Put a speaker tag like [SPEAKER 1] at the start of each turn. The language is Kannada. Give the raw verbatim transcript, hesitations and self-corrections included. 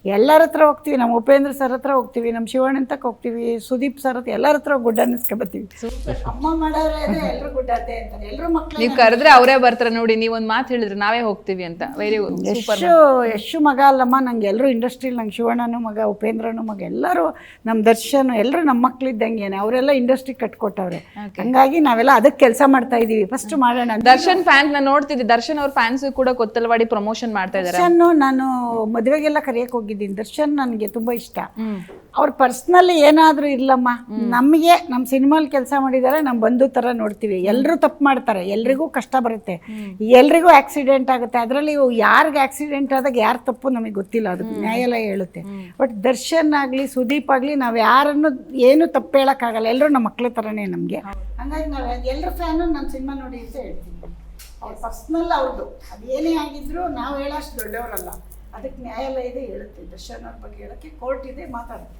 [SPEAKER 1] ಎಲ್ಲರ ಹತ್ರ ಹೋಗ್ತೀವಿ, ನಮ್ಮ ಉಪೇಂದ್ರ ಸರ್ ಹತ್ರ ಹೋಗ್ತೀವಿ, ನಮ್ಮ ಶಿವಣ್ಣಂತಕ್ಕೆ ಹೋಗ್ತೀವಿ, ಸುದೀಪ್ ಸರ್ ಹತ್ರ ಎಲ್ಲರ ಹತ್ರ ಗುಡ್ ಅನ್ನಿಸ್ಕೊ ಬರ್ತೀವಿ. ಅಮ್ಮ ಮಾಡೋರೇ ಎಲ್ಲರೂ ಗುಡ್ ಅತ್ತೆ ಅಂತಾರೆ, ಎಲ್ಲರೂ ಮಕ್ಕಳು.
[SPEAKER 2] ನೀವು ಕರೆದ್ರೆ ಅವರೇ ಬರ್ತಾರೆ ನೋಡಿ. ನೀವು ಒಂದು ಮಾತು ಹೇಳಿದ್ರೆ ನಾವೇ ಹೋಗ್ತೀವಿ ಅಂತ. Very good.
[SPEAKER 1] ಯಶು ಯಶು ಮಗ ಅಲ್ಲಮ್ಮ, ನಂಗೆ ಎಲ್ಲರೂ ಇಂಡಸ್ಟ್ರಿಲಿ, ನಂಗೆ ಶಿವಣ್ಣನೂ ಮಗ, ಉಪೇಂದ್ರನೂ ಮಗ, ಎಲ್ಲರೂ ನಮ್ಮ ದರ್ಶನ್ ಎಲ್ಲರೂ ನಮ್ಮ ಮಕ್ಕಳಿದ್ದಂಗೆನೆ. ಅವರೆಲ್ಲ ಇಂಡಸ್ಟ್ರಿ ಕಟ್ಕೊಟ್ಟವ್ರೆ. ಹಂಗಾಗಿ ನಾವೆಲ್ಲ ಅದಕ್ಕೆ ಕೆಲಸ ಮಾಡ್ತಾ ಇದೀವಿ. ಫಸ್ಟ್ ಮಾಡೋಣ.
[SPEAKER 2] ದರ್ಶನ್ ಫ್ಯಾನ್ಸ್ ನಾನು ನೋಡ್ತಿದ್ದೆ, ದರ್ಶನ್ ಅವ್ರ ಫ್ಯಾನ್ಸ್ ಕೂಡ ಕೊತ್ತಲವಾಡಿ ಪ್ರಮೋಷನ್ ಮಾಡ್ತಾ ಇದ್ದಾರೆ.
[SPEAKER 1] ದರ್ಶನ್ ನಾನು ಮದುವೆಗೆಲ್ಲ ಕರೆಯಕ್ಕೆ ಹೋಗಿದ್ದೀನಿ. ದರ್ಶನ್ ನನಗೆ ತುಂಬಾ ಇಷ್ಟ. ಅವ್ರ ಪರ್ಸ್ನಲಿ ಏನಾದ್ರೂ ಇರ್ಲಮ್ಮ, ನಮಗೆ ನಮ್ಮ ಸಿನಿಮಾಲ್ ಕೆಲಸ ಮಾಡಿದ್ದಾರೆ, ನಮ್ಮ ಬಂಧು ತರ ನೋಡ್ತೀವಿ. ಎಲ್ಲರೂ ತಪ್ಪು ಮಾಡ್ತಾರೆ, ಎಲ್ರಿಗೂ ಕಷ್ಟ ಬರುತ್ತೆ, ಎಲ್ರಿಗೂ ಆಕ್ಸಿಡೆಂಟ್ ಆಗುತ್ತೆ. ಅದರಲ್ಲಿ ಯಾರಿಗೆ ಆಕ್ಸಿಡೆಂಟ್ ಆದಾಗ ಯಾರು ತಪ್ಪು ನಮಗೆ ಗೊತ್ತಿಲ್ಲ, ಅದಕ್ಕೆ ನ್ಯಾಯಾಲಯ ಹೇಳುತ್ತೆ. ಬಟ್ ದರ್ಶನ್ ಆಗಲಿ ಸುದೀಪ್ ಆಗಲಿ ನಾವು ಯಾರನ್ನು ಏನು ತಪ್ಪು ಹೇಳೋಕ್ಕಾಗಲ್ಲ, ಎಲ್ಲರೂ ನಮ್ಮ ಮಕ್ಳ ಥರನೇ ನಮಗೆ. ಹಂಗಾಗಿ ನಾವು ಎಲ್ಲರ ಫ್ಯಾನು ನನ್ನ ಸಿನಿಮಾ ನೋಡಿ ಅಂತ ಹೇಳ್ತೀನಿ. ಅವ್ರ ಪರ್ಸ್ನಲ್ ಅವ್ರದ್ದು ಅದೇನೇ ಆಗಿದ್ರು ನಾವು ಹೇಳೋಷ್ಟು ದೊಡ್ಡವರಲ್ಲ, ಅದಕ್ಕೆ ನ್ಯಾಯಾಲಯ ಇದೆ ಹೇಳುತ್ತೆ. ದರ್ಶನ್ ಅವ್ರ ಬಗ್ಗೆ ಹೇಳೋಕ್ಕೆ ಕೋರ್ಟ್ ಇದೆ, ಮಾತಾಡುತ್ತೆ.